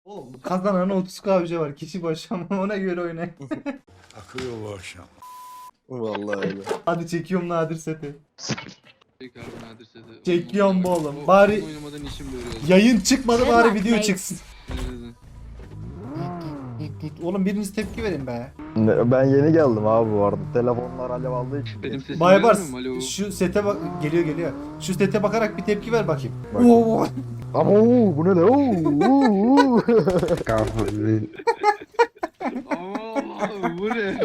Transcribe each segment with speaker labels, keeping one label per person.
Speaker 1: Oğlum kazanan 30K ücret var kişi başı ama ona göre oynayın.
Speaker 2: Akıyor bu akşam.
Speaker 3: Vallahi öyle.
Speaker 1: Hadi çekiyorum Nadir seti.
Speaker 4: Tekrar nadir seti.
Speaker 1: Çekiyorum bu oğlum.
Speaker 4: O
Speaker 1: Bari
Speaker 4: oyun oynamadan işim böyle oldu.
Speaker 1: yayın çıkmadı bari
Speaker 5: Helal
Speaker 1: video
Speaker 5: be.
Speaker 1: çıksın.
Speaker 4: Evet.
Speaker 1: Oğlum biriniz tepki verin be.
Speaker 3: Ben yeni geldim abi bu arada. Telefonlar alev aldığı için.
Speaker 4: Benim sesim
Speaker 1: Baybars
Speaker 4: gelmiyor mu? Alo.
Speaker 1: şu sete bak geliyor. Şu sete bakarak bir tepki ver bakayım.
Speaker 3: Bak.
Speaker 1: Oo.
Speaker 3: Ama bu ne lan?
Speaker 4: Aa, bu ne?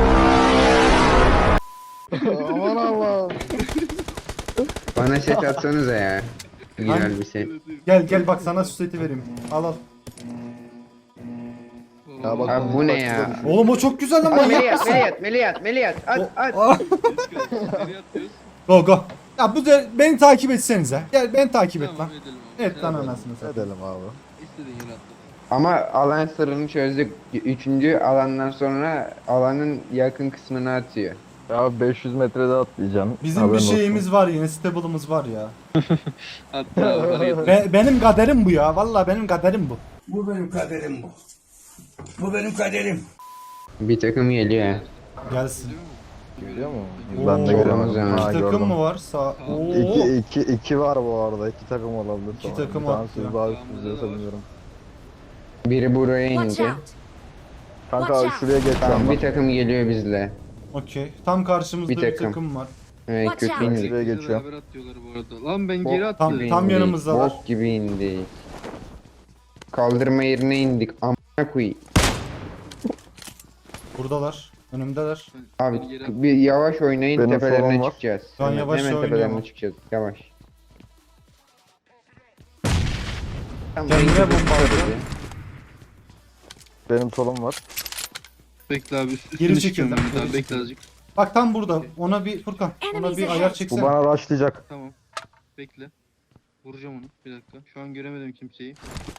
Speaker 3: Aman Allah'ım.
Speaker 6: Bana set atsanıza ya. Güzel bir set.
Speaker 1: Gel bak sana şu seti vereyim. Al.
Speaker 3: Ya bak,
Speaker 6: Abi bu ne ya?
Speaker 1: Oğlum o çok güzel lan
Speaker 6: At
Speaker 1: manyak
Speaker 6: Meliyat,
Speaker 1: mısın?
Speaker 6: Meliyat. At.
Speaker 1: Ah.
Speaker 4: Nereye atıyoruz?
Speaker 1: Go. Ya bu da beni takip etsenize. Gel beni takip et lan.
Speaker 4: Tamam, edelim abi.
Speaker 1: Evet lan
Speaker 4: Sen
Speaker 1: anasını satayım.
Speaker 3: Edelim abi.
Speaker 4: İstediğin yere atla.
Speaker 6: Ama alan sırrını çözdük. Üçüncü alandan sonra alanın yakın kısmını atıyor.
Speaker 3: Ya 500 metrede atlayacaksın.
Speaker 1: Bizim
Speaker 3: Haberin
Speaker 1: bir
Speaker 3: olsun.
Speaker 1: şeyimiz var yine stable'ımız var ya.
Speaker 4: Hatta bana yeter.
Speaker 1: Benim kaderim bu ya. Vallahi benim kaderim bu.
Speaker 2: Bu benim kaderim bu. Bu benim kaderim.
Speaker 6: Bir takım geliyor ya.
Speaker 1: Gelsin.
Speaker 3: Görüyor musun?
Speaker 1: Oo.
Speaker 3: Ben de
Speaker 6: Olmaz
Speaker 3: göremedim.
Speaker 6: yani.
Speaker 3: Ha,
Speaker 1: İki takım
Speaker 3: gördüm.
Speaker 1: mı var? Sağ. Oo.
Speaker 3: İki var bu arada. İki takım olabilir.
Speaker 1: İki
Speaker 3: sonra.
Speaker 1: takım
Speaker 3: Bir tanesi
Speaker 1: atlıyor.
Speaker 3: daha
Speaker 4: Tamam,
Speaker 3: üst
Speaker 4: burada da
Speaker 3: düzeyse
Speaker 4: var.
Speaker 3: bilmiyorum.
Speaker 6: Biri buraya
Speaker 5: Watch
Speaker 6: indi.
Speaker 5: out!
Speaker 3: Kanka
Speaker 5: Watch
Speaker 3: abi
Speaker 5: out.
Speaker 3: şuraya geç
Speaker 6: Tamam
Speaker 3: sen
Speaker 6: bir
Speaker 3: bak.
Speaker 6: takım geliyor bizle.
Speaker 1: Okey. Tam karşımızda
Speaker 6: Bir
Speaker 1: bir
Speaker 6: takım.
Speaker 1: takım var.
Speaker 6: Evet
Speaker 5: Watch
Speaker 6: kötü
Speaker 5: out.
Speaker 6: indik.
Speaker 3: Şuraya
Speaker 4: Bize
Speaker 3: geçiyorum.
Speaker 4: beraber atıyorlar bu arada. Lan ben
Speaker 6: Bok
Speaker 4: geri attım.
Speaker 6: gibi
Speaker 1: Tam
Speaker 6: indik,
Speaker 1: yanımızdalar.
Speaker 6: Bok gibi indik. Kaldırma yerine indik. Amına koyayım.
Speaker 1: Buradalar. Önümdeler.
Speaker 6: Abi bir yavaş oynayın
Speaker 3: Benim
Speaker 6: tepelerine
Speaker 3: solum var.
Speaker 6: çıkacağız.
Speaker 1: Şu an yavaş
Speaker 6: hemen
Speaker 1: oynuyor
Speaker 6: tepelerine
Speaker 1: ama.
Speaker 6: çıkacağız. Yavaş. Tamam,
Speaker 1: Kendine
Speaker 6: en kötü
Speaker 1: bomba atıyor.
Speaker 6: hadi.
Speaker 3: Benim solum var.
Speaker 4: Bekle abi üstüne
Speaker 1: Geri
Speaker 4: çıkıyorum
Speaker 1: çekildim,
Speaker 4: ben. Daha
Speaker 1: geri
Speaker 4: bekle azıcık.
Speaker 1: Bak tam burada. Ona bir Furkan. Ona bir ayar
Speaker 3: Bu
Speaker 1: çeksene.
Speaker 3: bana rushlayacak.
Speaker 4: Tamam. Bekle. Vuracağım onu. Bir dakika. Şu an göremedim kimseyi.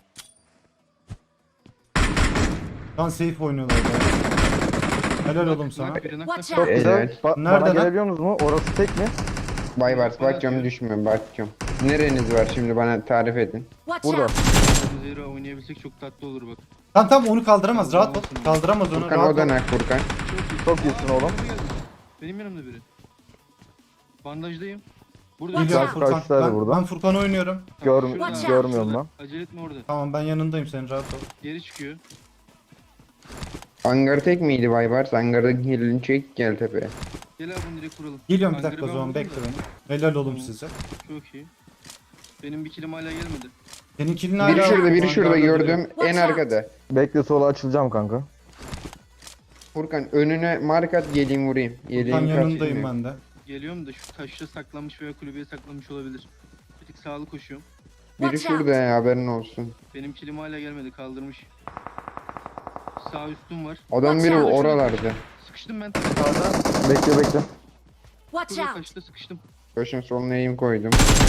Speaker 1: Lan safe oynuyorlar ya. Helal oğlum sana.
Speaker 4: Nak biri nak.
Speaker 5: Watch
Speaker 3: Çok
Speaker 5: out!
Speaker 3: güzel.
Speaker 6: Evet.
Speaker 1: Nerede
Speaker 3: Bana
Speaker 1: lan?
Speaker 3: gelebiliyor musunuz mu? Orası tek mi?
Speaker 6: Baybars bakacağım düşmüyor bakacağım. Nereniz var şimdi bana tarif edin.
Speaker 5: Watch
Speaker 3: Burada.
Speaker 5: out!
Speaker 4: Zero oynayabilsek çok tatlı olur bak.
Speaker 1: Tam onu kaldıramaz. Rahat ol. Kaldıramaz onu.
Speaker 6: Furkan
Speaker 1: Rahat
Speaker 6: o da
Speaker 1: ol.
Speaker 6: nak Furkan.
Speaker 3: Çok iyisin oğlum.
Speaker 4: Benim yanımda biri. Bandajdayım. Burada.
Speaker 5: Watch
Speaker 1: Güzel
Speaker 5: out.
Speaker 1: Furkan.
Speaker 3: Kaçlar burada?
Speaker 1: Ben Furkan oynuyorum.
Speaker 5: Watch out.
Speaker 3: Görmüyorum lan.
Speaker 4: Acele etme orada.
Speaker 1: Tamam ben yanındayım senin rahat ol.
Speaker 4: Geri çıkıyor.
Speaker 6: Hangar tek miydi Baybars? Hangarda kilini çek gel tepeye.
Speaker 4: Gel abi bunu direkt kuralım.
Speaker 1: Geliyorum bir
Speaker 4: Hangarı
Speaker 1: dakika o
Speaker 4: ben
Speaker 1: zaman
Speaker 4: vurdum
Speaker 1: bekle
Speaker 4: da.
Speaker 1: beni. Helal oğlum
Speaker 4: Tamam.
Speaker 1: size.
Speaker 4: Çok iyi. Benim bir kilim hala gelmedi.
Speaker 1: Seninkinin hala...
Speaker 6: Biri şurada
Speaker 1: hangarda
Speaker 6: gördüm
Speaker 1: duruyor.
Speaker 6: en
Speaker 5: Watch out.
Speaker 6: arkada.
Speaker 3: Bekle sola açılacağım kanka.
Speaker 6: Furkan önüne mark at geleyim vurayım.
Speaker 1: Furkan
Speaker 6: Yeleğim
Speaker 1: yanındayım ben de.
Speaker 4: Geliyorum da şu taşta saklanmış veya kulübeye saklanmış olabilir. Bir tık sağlı koşuyorum.
Speaker 6: Biri
Speaker 5: Watch out.
Speaker 6: şurada ya haberin olsun.
Speaker 4: Benim kilim hala gelmedi kaldırmış. Sağ üstüm var.
Speaker 6: Adam
Speaker 5: Watch
Speaker 6: biri
Speaker 5: out.
Speaker 6: oralarda.
Speaker 4: Sıkıştım ben.
Speaker 3: Bekle.
Speaker 5: Watch
Speaker 4: Burada
Speaker 5: out!
Speaker 4: taşta sıkıştım.
Speaker 6: Başın soluna eğim koydum.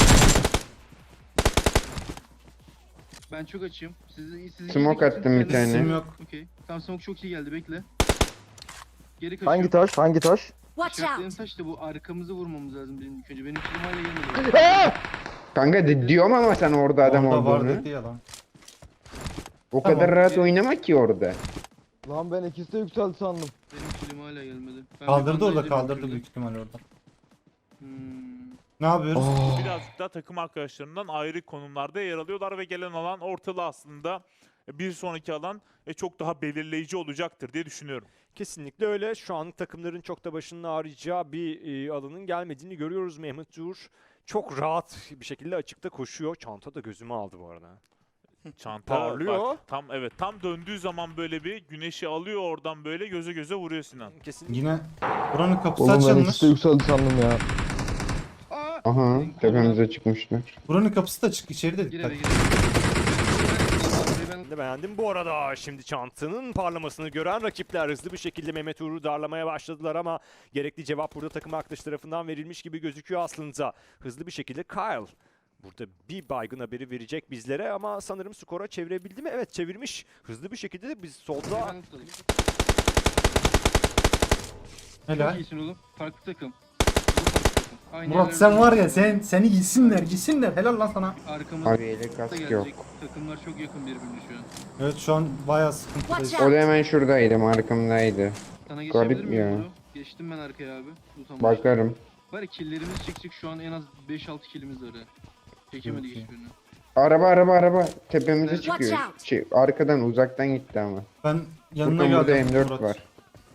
Speaker 4: Ben çok açığım. Sizi
Speaker 6: Smoke attım bir tane.
Speaker 1: İsim yok.
Speaker 4: Okey. Tamam smoke çok iyi geldi bekle. Geri kaçıyorum.
Speaker 3: Hangi taş? Hangi taş?
Speaker 5: Watch
Speaker 4: İşaretleyen
Speaker 5: out!
Speaker 4: taş da bu arkamızı vurmamız lazım benim ilk önce. Benim kilim hala gelmedi.
Speaker 6: Kanka diyorum ama sen orada adam
Speaker 1: Orada var
Speaker 6: olduğunu.
Speaker 1: dedi ya lan.
Speaker 6: O
Speaker 1: Tamam.
Speaker 6: kadar rahat oynama ki orada.
Speaker 3: Lan ben ikisi de yükseldi sandım.
Speaker 4: Benim kilim hala gelmedi. Ben
Speaker 1: Kaldırdı
Speaker 4: bir
Speaker 1: orada
Speaker 4: bandajdayım
Speaker 1: kaldırdı
Speaker 4: şurada.
Speaker 1: büyük ihtimal orada.
Speaker 4: Hmm.
Speaker 1: Ne yapıyoruz?
Speaker 7: Birazcık da takım arkadaşlarından ayrı konumlarda yer alıyorlar ve gelen alan ortalı aslında bir sonraki alan çok daha belirleyici olacaktır diye düşünüyorum.
Speaker 8: Kesinlikle öyle. Şu an takımların çok da başının ağrıyacağı bir alanın gelmediğini görüyoruz. Mehmet Uğur çok rahat bir şekilde açıkta koşuyor. Çanta da gözümü aldı bu arada.
Speaker 7: Çanta
Speaker 8: Parlıyor.
Speaker 7: bak, tam döndüğü zaman böyle bir güneşi alıyor oradan böyle göze göze vuruyor Sinan.
Speaker 8: Kesinlikle.
Speaker 1: Yine buranın kapısı
Speaker 3: Oğlum ben
Speaker 1: açılmış.
Speaker 3: ikisi de yükseldi sandım ya.
Speaker 6: Aha tepemize çıkmışlar.
Speaker 1: Buranın kapısı da açık. İçeri de
Speaker 4: Gir
Speaker 1: dikkat.
Speaker 4: eve gir.
Speaker 8: Ben de beğendim. Bu arada şimdi çantanın parlamasını gören rakipler hızlı bir şekilde Mehmet Uğur'u darlamaya başladılar ama gerekli cevap burada takım arkadaşı tarafından verilmiş gibi gözüküyor aslında. Hızlı bir şekilde Kyle burada bir baygın haberi verecek bizlere ama sanırım skora çevirebildi mi? Evet çevirmiş. Hızlı bir şekilde de biz solda
Speaker 4: Ben tutalım.
Speaker 1: Helal.
Speaker 4: Çok iyisin oğlum. Farklı takım. Bu farklı takım. Aynı
Speaker 1: Murat
Speaker 4: yerlerde
Speaker 1: sen var ya
Speaker 4: duruyor.
Speaker 1: seni gitsinler helal lan sana.
Speaker 4: Arkamızda
Speaker 6: Abi elek kask
Speaker 4: gelecek.
Speaker 6: yok.
Speaker 4: Takımlar çok yakın birbirine şu an.
Speaker 1: Evet şu an bayağı sıkıntıdayız.
Speaker 5: Watch
Speaker 6: O da hemen şuradaydı, arkamdaydı.
Speaker 4: Sana
Speaker 6: Garip
Speaker 4: geçebilir miyim
Speaker 6: ya.
Speaker 4: bunu? Geçtim ben arkaya abi. Tutamam.
Speaker 6: Bakarım.
Speaker 4: Var ya killlerimiz çıkacak şu an en az 5-6 killimiz var ha. Çekemedik
Speaker 1: Çok iyi.
Speaker 4: hiçbirini.
Speaker 6: Araba tepemize
Speaker 4: Watch
Speaker 6: çıkıyor.
Speaker 5: out.
Speaker 6: Arkadan uzaktan gitti ama.
Speaker 1: Ben yanına
Speaker 6: Burada
Speaker 1: geldim
Speaker 6: M4
Speaker 1: Murat.
Speaker 6: var.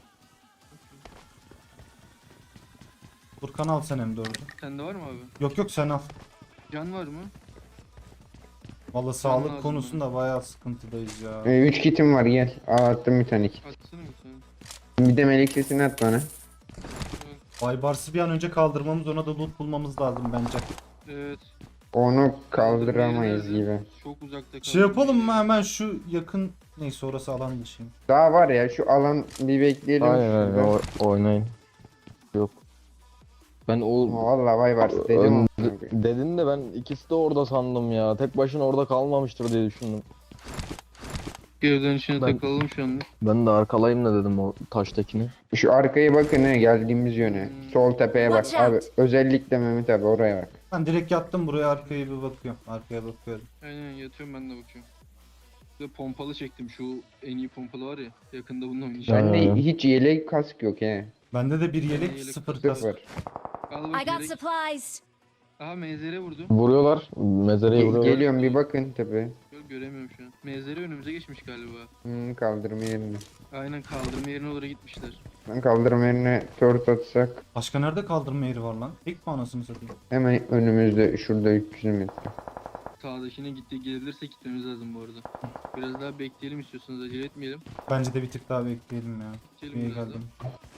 Speaker 1: Furkan al sen M4'ü.
Speaker 4: Sende var mı abi?
Speaker 1: Yok sen al.
Speaker 4: Can var mı?
Speaker 1: Valla sağlık
Speaker 4: lazım
Speaker 1: konusunda bayağı sıkıntıdayız ya.
Speaker 6: 3 kitim var, gel. Attım bir tane kit.
Speaker 4: Atsana bir tane.
Speaker 6: Bir de melek sesini at bana.
Speaker 1: Baybars'ı bir an önce kaldırmamız, ona da loot bulmamız lazım bence.
Speaker 4: Evet.
Speaker 6: Onu kaldıramayız
Speaker 4: Nerede?
Speaker 6: gibi.
Speaker 4: Çok uzakta kaldı.
Speaker 1: Şey yapalım mı hemen şu yakın, neyse orası alan dışı.
Speaker 6: Daha var ya, şu alan bir bekleyelim.
Speaker 3: Aynen
Speaker 6: şurada.
Speaker 3: öyle oynayın. Yok. Ben o
Speaker 6: Vallahi vay var dedim.
Speaker 3: dedin de ben ikisi de orada sandım ya. Tek başına orada kalmamıştır diye düşündüm.
Speaker 4: Geri dönüşüne
Speaker 3: Ben-
Speaker 4: takılalım şu an.
Speaker 3: Ben de arkalayayım da dedim o taştakini.
Speaker 6: Şu arkaya bakın he, geldiğimiz yöne. Sol tepeye bak
Speaker 5: Watch
Speaker 6: abi.
Speaker 5: out.
Speaker 6: Özellikle Mehmet abi oraya bak.
Speaker 1: Ben direkt yattım buraya, arkaya bir bakıyorum. Arkaya bakıyorum.
Speaker 4: Aynen yatıyorum ben de bakıyorum. Bir de pompalı çektim şu en iyi pompalı var ya. Yakında bununla oynayacağım.
Speaker 6: Bende
Speaker 3: Ha.
Speaker 6: hiç yelek kask yok he.
Speaker 1: Bende de bir yelek,
Speaker 4: Yelek
Speaker 1: sıfır kask.
Speaker 6: Sıfır.
Speaker 4: Al
Speaker 5: I
Speaker 4: bak
Speaker 5: got
Speaker 4: yelek.
Speaker 5: supplies.
Speaker 4: Aha mezere vurdu.
Speaker 3: Vuruyorlar. Mezareye vuruyorlar.
Speaker 6: Geliyorum bir bakın tepeye.
Speaker 4: Göremiyorum şu an. Mezere önümüze geçmiş galiba.
Speaker 6: Kaldırma yerine.
Speaker 4: Aynen kaldırma yerine oraya gitmişler.
Speaker 6: Ben kaldırma yerine tört atsak.
Speaker 1: Başka nerede kaldırma yeri var lan? Tek mi anasını satayım?
Speaker 6: Hemen önümüzde şurada 300 metre.
Speaker 4: Sağdakine gelirse gitmemiz lazım bu arada. Biraz daha bekleyelim istiyorsanız acele etmeyelim.
Speaker 1: Bence de bir tık daha bekleyelim ya.
Speaker 4: Geçelim
Speaker 1: İyi
Speaker 4: biraz daha.
Speaker 1: geldim.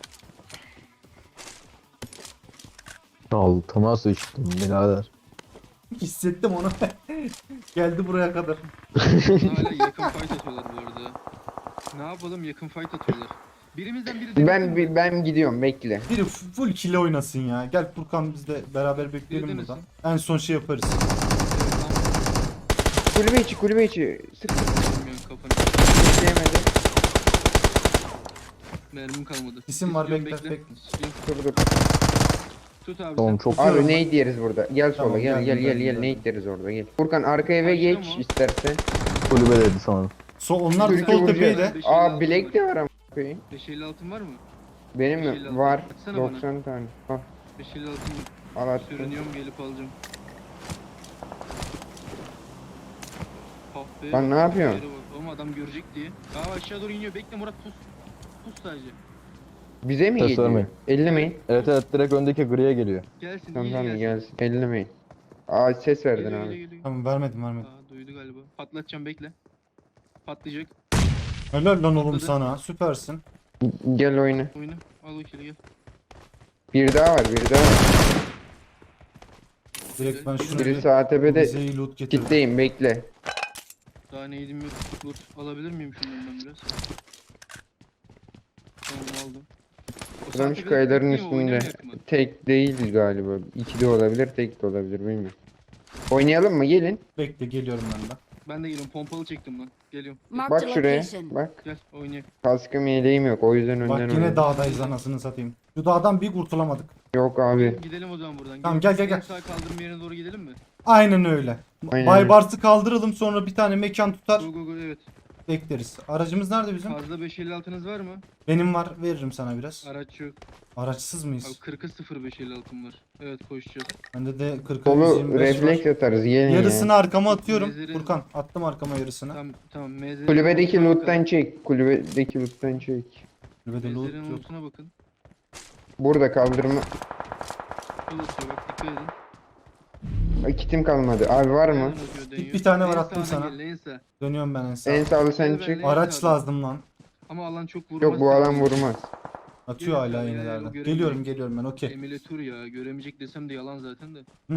Speaker 3: Altıma sıçtım birader.
Speaker 1: Hissettim onu. Geldi buraya kadar.
Speaker 4: Hala yakın fight atıyorlar bu arada. Ne yapalım, yakın fight atıyorlar. Birimizden biri denesin mi?
Speaker 6: Ben gidiyorum, bekle.
Speaker 1: Biri full kill oynasın ya. Gel Furkan, biz de beraber bekleyelim
Speaker 4: Biri
Speaker 1: buradan.
Speaker 4: denesin.
Speaker 1: En son şey yaparız.
Speaker 6: Kulübe içi. Sık
Speaker 4: Bilmiyorum kafanı.
Speaker 6: yemedi.
Speaker 4: Mermim kalmadı.
Speaker 1: İsim var,
Speaker 4: İstiyorum,
Speaker 1: bekle, bekle.
Speaker 4: İstiyorum.
Speaker 6: Dur.
Speaker 4: Tut abi
Speaker 3: Tamam
Speaker 4: sen.
Speaker 3: çok
Speaker 6: Abi
Speaker 1: Diyorum
Speaker 6: ne yeriz burada? Gel sola,
Speaker 1: Tamam,
Speaker 6: gel
Speaker 1: geldim.
Speaker 6: ne yeriz orada, gel. Furkan arka eve
Speaker 4: Başlıyor
Speaker 6: geç
Speaker 4: mu?
Speaker 6: istersen.
Speaker 3: kulübe dedi sanırım.
Speaker 1: Onlar
Speaker 6: Türkiye
Speaker 1: sol
Speaker 6: vuracak.
Speaker 1: tepeyi de.
Speaker 4: 556
Speaker 6: Aa bilek
Speaker 4: var.
Speaker 6: de var ama. koyayım.
Speaker 4: 550 altın var mı?
Speaker 6: Benim
Speaker 4: 556.
Speaker 6: mi? Var.
Speaker 4: Atsana bana.
Speaker 6: 90 tane. Al,
Speaker 4: 550 altın
Speaker 6: al attım.
Speaker 4: sürünüyorum, gelip alacağım. Ah be,
Speaker 6: Lan ne yapıyorsun?
Speaker 4: yere bak. Oğlum adam görecek diye. Aa aşağı doğru iniyor. Bekle Murat, pus. Pus sadece.
Speaker 6: Bize mi
Speaker 3: Ses
Speaker 6: geliyor?
Speaker 3: vermeyin.
Speaker 6: Ellemeyin.
Speaker 3: Evet direkt öndeki griye geliyor.
Speaker 4: Gelsin,
Speaker 6: Tamam
Speaker 4: iyice
Speaker 6: tamam
Speaker 4: gelsin.
Speaker 6: gelsin. Ellemeyin. Aa ses verdin
Speaker 4: Geliyor,
Speaker 6: abi.
Speaker 4: geliyor.
Speaker 1: Tamam, vermedim.
Speaker 4: Aa duydu galiba. Patlatacağım, bekle. Patlayacak.
Speaker 1: Helal lan oğlum
Speaker 4: Patladı.
Speaker 1: sana. Süpersin.
Speaker 6: Gel oyna.
Speaker 4: Oyna. Al o kili gel.
Speaker 6: Bir daha var.
Speaker 1: Direkt ben şunu
Speaker 6: Biri
Speaker 1: bir
Speaker 6: sağ tepede.
Speaker 1: bize iyi loot getirdim.
Speaker 6: Kitleyim bekle.
Speaker 4: Daha neydim yok. Loot alabilir miyim şundan ben biraz? Tamam aldım. O
Speaker 6: Buradan
Speaker 4: saatte
Speaker 6: şu
Speaker 4: bir
Speaker 6: kayaların
Speaker 4: bekliyor mu,
Speaker 6: üstünde.
Speaker 4: oynamayak mı?
Speaker 6: Tek değil galiba. İki de olabilir, tek de olabilir bilmiyorum. Oynayalım mı? Gelin.
Speaker 1: Bekle, geliyorum ben de.
Speaker 4: Ben de geliyorum, pompalı çektim lan. Geliyorum.
Speaker 5: Marked
Speaker 6: Bak
Speaker 5: a
Speaker 6: şuraya.
Speaker 5: location.
Speaker 6: Bak.
Speaker 4: Gel oynayalım.
Speaker 6: Kaskım yeleğim yok. O yüzden önden
Speaker 1: Bak yine
Speaker 6: oynadım.
Speaker 1: dağdayız anasını satayım. Şu dağdan bir kurtulamadık.
Speaker 6: Yok abi.
Speaker 4: Gidelim o zaman buradan.
Speaker 1: Tamam, gel.
Speaker 4: En sağ kaldırım yerine doğru gidelim mi?
Speaker 1: Aynen öyle.
Speaker 6: Aynen.
Speaker 1: Baybars'ı kaldıralım, sonra bir tane mekan tutar
Speaker 4: Go evet.
Speaker 1: bekleriz. Aracımız nerede bizim?
Speaker 4: Fazla 556'nız var mı?
Speaker 1: Benim var, veririm sana biraz.
Speaker 4: Araç yok.
Speaker 1: Araçsız
Speaker 4: Abi
Speaker 1: mıyız?
Speaker 4: 40'a 0 556'm var. Evet koşacağız.
Speaker 1: Bende de 40
Speaker 6: Solu
Speaker 1: 125
Speaker 6: refleks
Speaker 1: var.
Speaker 6: atarız. Gelin
Speaker 1: Yarısını
Speaker 6: ya.
Speaker 1: arkama atıyorum.
Speaker 4: Mezarı-
Speaker 1: Furkan attım arkama yarısını.
Speaker 4: Tamam mezarın
Speaker 6: Kulübedeki
Speaker 4: lootuna
Speaker 6: loot'tan
Speaker 4: bakın.
Speaker 6: çek. Kulübedeki loot'tan çek.
Speaker 1: Kulübede loot
Speaker 4: Mezarın
Speaker 1: yok.
Speaker 4: lootuna bakın.
Speaker 6: Burada kaldırma.
Speaker 4: Yol atıyor bak, dikkat edin.
Speaker 6: Ay, kitim kalmadı. Abi var mı?
Speaker 4: Nereden atıyor, deniyor.
Speaker 1: Bir tane var,
Speaker 4: En
Speaker 1: attım
Speaker 4: sağdan
Speaker 1: sana.
Speaker 4: gel, en sağ.
Speaker 1: Dönüyorum ben en sağa.
Speaker 6: En sağlı sen
Speaker 4: Gel
Speaker 6: çık.
Speaker 4: benimle.
Speaker 1: Araç lazım lan.
Speaker 4: Ama alan çok vurmaz.
Speaker 6: Yok bu alan
Speaker 4: sanki.
Speaker 6: vurmaz.
Speaker 1: Atıyor
Speaker 4: Gel,
Speaker 1: hala
Speaker 4: gel,
Speaker 1: yenilerden.
Speaker 4: gel,
Speaker 1: Geliyorum ben, okey.
Speaker 4: Emülatör ya, göremeyecek desem de yalan zaten de.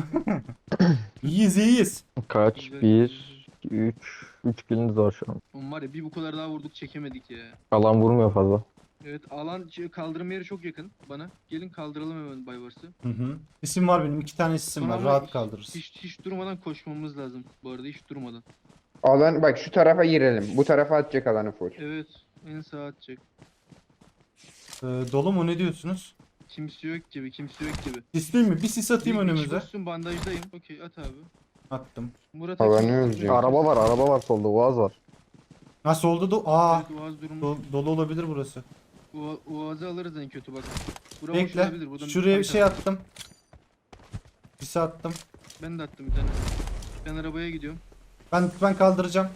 Speaker 1: İyiyiz.
Speaker 3: Kaç?
Speaker 4: Güzel.
Speaker 3: 1, 2, 3 kiliniz var şu an.
Speaker 4: Oğlum var ya, bir bu kadar daha vurduk çekemedik ya.
Speaker 3: Alan vurmuyor fazla.
Speaker 4: Evet alan kaldırım yeri çok yakın bana. Gelin kaldıralım hemen Bayvars'ı.
Speaker 1: Hı hı. İsim var benim. 2 tane isim
Speaker 4: Sonra
Speaker 1: var.
Speaker 4: ama
Speaker 1: Rahat kaldırırız.
Speaker 4: Hiç durmadan koşmamız lazım. Bu arada hiç durmadan.
Speaker 6: Alan bak şu tarafa girelim. Bu tarafa atacak alanı full.
Speaker 4: Evet en sağa atacak.
Speaker 1: Dolu mu, ne diyorsunuz?
Speaker 4: Kimse yok gibi, kimse yok gibi.
Speaker 1: Sisleyeyim mi? Bir sis atayım
Speaker 4: Bir kişi
Speaker 1: önümüze.
Speaker 4: koşsun, bandajdayım. Okey, at abi.
Speaker 1: Attım.
Speaker 4: Murat
Speaker 6: Alanı
Speaker 4: Akın-
Speaker 6: öleceğim.
Speaker 3: Araba var solda. Uaz var.
Speaker 1: Nasıl oldu da? Aa,
Speaker 4: Evet, Uaz durumu.
Speaker 1: dolu olabilir burası.
Speaker 4: Uaz'ı alırız en kötü bak. Bura boş
Speaker 1: Bekle.
Speaker 4: olabilir, buradan
Speaker 1: Şuraya bir
Speaker 4: fight
Speaker 1: şey
Speaker 4: at.
Speaker 1: attım. Sis attım.
Speaker 4: Ben de attım bir tane. Ben arabaya gidiyorum.
Speaker 1: Ben kaldıracağım.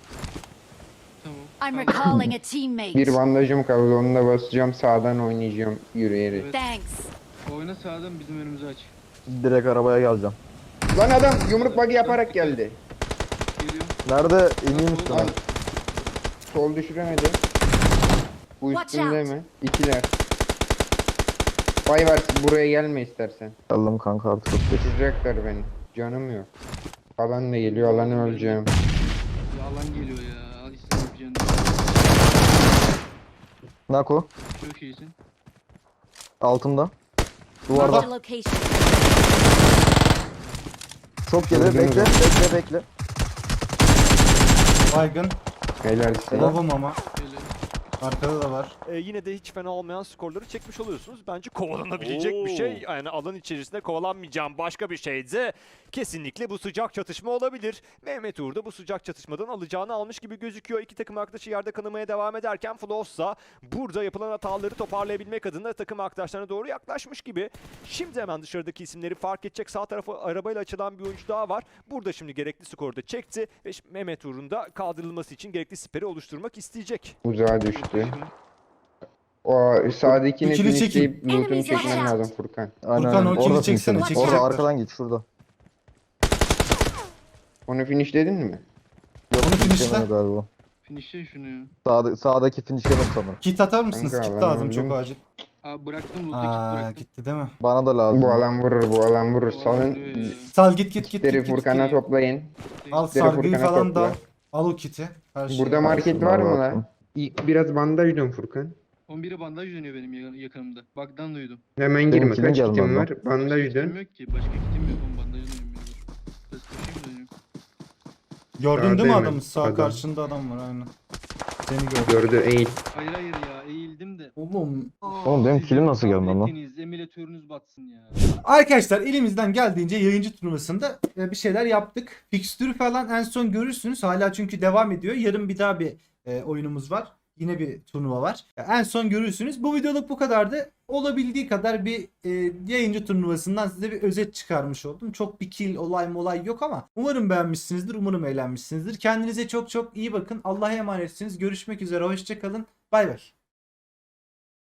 Speaker 4: Tamam.
Speaker 5: I'm
Speaker 4: Kaldır.
Speaker 5: recalling a teammate.
Speaker 6: Bir bandajım kaldı, onu da basacağım, sağdan oynayacağım yürüyerek.
Speaker 4: Evet.
Speaker 5: Thanks.
Speaker 4: Oyna sağdan, bizim önümüzü aç.
Speaker 3: Direkt arabaya geleceğim.
Speaker 6: Lan adam yumruk bug'i yaparak geldi.
Speaker 4: Geliyorum.
Speaker 3: Nerede? İneyim
Speaker 4: Sol-
Speaker 3: üstüne.
Speaker 6: Sol düşüremedi. Bu
Speaker 5: Watch
Speaker 6: üstünde
Speaker 5: out.
Speaker 6: mi? İkiler. Vay var, buraya gelme istersen.
Speaker 3: Geldim kanka artık.
Speaker 6: Kaçıracaklar beni. Canım yok. Alan da geliyor, alanı öleceğim.
Speaker 4: Ya alan geliyor ya. Al işte yapacaksın.
Speaker 3: Nako.
Speaker 4: Çok iyisin.
Speaker 3: Altımda.
Speaker 5: Marked
Speaker 3: Duvarda.
Speaker 5: a location.
Speaker 3: Çok geri.
Speaker 6: Gördünüz
Speaker 3: Bekle.
Speaker 6: mü?
Speaker 3: Bekle.
Speaker 1: Baygın.
Speaker 6: Helal size.
Speaker 1: Lavım ama.
Speaker 4: Böyle.
Speaker 1: Arkada da var.
Speaker 8: Yine de hiç fena olmayan skorları çekmiş oluyorsunuz. Bence kovalanabilecek bir şey. Yani alan içerisinde kovalanmayacağım başka bir şeydi. Kesinlikle bu sıcak çatışma olabilir. Mehmet Uğur da bu sıcak çatışmadan alacağını almış gibi gözüküyor. İki takım arkadaşı yerde kanamaya devam ederken Flossa burada yapılan hataları toparlayabilmek adına takım arkadaşlarına doğru yaklaşmış gibi. Şimdi hemen dışarıdaki isimleri fark edecek. Sağ tarafa arabayla açılan bir oyuncu daha var. Burada şimdi gerekli skoru da çekti ve Mehmet Uğur'un da kaldırılması için gerekli siperi oluşturmak isteyecek.
Speaker 6: Uzağa düştü. O sağdakini
Speaker 1: İkili çekim.
Speaker 6: finishleyip loot'unu
Speaker 5: Enemies
Speaker 6: çekmen
Speaker 5: watch out.
Speaker 6: lazım Furkan.
Speaker 3: Aynen.
Speaker 1: Furkan, o
Speaker 3: Orada
Speaker 1: kili çeksene,
Speaker 3: finishledim.
Speaker 5: çekecekler.
Speaker 3: Orada arkadan git şurada.
Speaker 6: Onu finishledin mi?
Speaker 3: Yok,
Speaker 1: Onu finish'le.
Speaker 3: finishlemedi galiba.
Speaker 4: Finish'e şunu ya.
Speaker 3: Sağdaki finishlemedi sanırım.
Speaker 1: Kit atar mısınız?
Speaker 6: Kanka,
Speaker 1: Kit
Speaker 6: ben
Speaker 1: lazım
Speaker 6: öldüm.
Speaker 1: çok acil.
Speaker 4: Aa, bıraktım loot'u, kit
Speaker 1: Aa,
Speaker 4: bıraktım.
Speaker 1: gitti değil mi?
Speaker 3: Bana da lazım.
Speaker 6: Bu alan vurur, bu alan vurur.
Speaker 4: O
Speaker 6: Salın.
Speaker 4: vuruyor ya.
Speaker 1: Sal git git
Speaker 6: Kitleri Furkan'a
Speaker 1: git.
Speaker 6: toplayın.
Speaker 1: Al
Speaker 6: kitleri
Speaker 1: sargıyı
Speaker 6: Furkan'a
Speaker 1: falan
Speaker 6: topla.
Speaker 1: da al. Al o kiti. Her şeyi.
Speaker 6: Burada market
Speaker 3: Şunlara
Speaker 6: var mı
Speaker 3: baktım.
Speaker 6: lan? Biraz bandaj dön Furkan.
Speaker 4: 11'e bandaj dönüyor benim yakınımda. Baktan duydum.
Speaker 6: Hemen
Speaker 3: Benim
Speaker 6: girme.
Speaker 3: kilim
Speaker 6: Kaç
Speaker 3: gelmedi
Speaker 6: kitim
Speaker 3: lan.
Speaker 6: var? Bandaj
Speaker 4: Başka
Speaker 6: dön.
Speaker 4: kitim yok ki. Başka kitim yok. Oğlum bandajı dönüyorum ya. Biraz koşayım dönüyorum.
Speaker 1: Gördün değil mi
Speaker 6: Sağda
Speaker 1: adamı?
Speaker 6: hemen,
Speaker 1: Sağ
Speaker 6: adam.
Speaker 1: karşında adam var aynen. Seni gördüm.
Speaker 6: Gördü eğil.
Speaker 4: Hayır ya, eğildim de.
Speaker 1: Oğlum.
Speaker 3: Oğlum benim
Speaker 4: Sizin
Speaker 3: kilim nasıl gelmedi lan?
Speaker 4: tabletiniz, emülatörünüz batsın ya.
Speaker 1: Arkadaşlar elimizden geldiğince yayıncı turnuvasında bir şeyler yaptık. Fikstürü falan en son görürsünüz. Hala çünkü devam ediyor. Yarın bir daha bir oyunumuz var. Yine bir turnuva var. En son görürsünüz. Bu videoluk bu kadardı. Olabildiği kadar bir yayıncı turnuvasından size bir özet çıkarmış oldum. Çok bir kill olay yok ama umarım beğenmişsinizdir. Umarım eğlenmişsinizdir. Kendinize çok çok iyi bakın. Allah'a emanetsiniz. Görüşmek üzere. Hoşça kalın. Bay bay.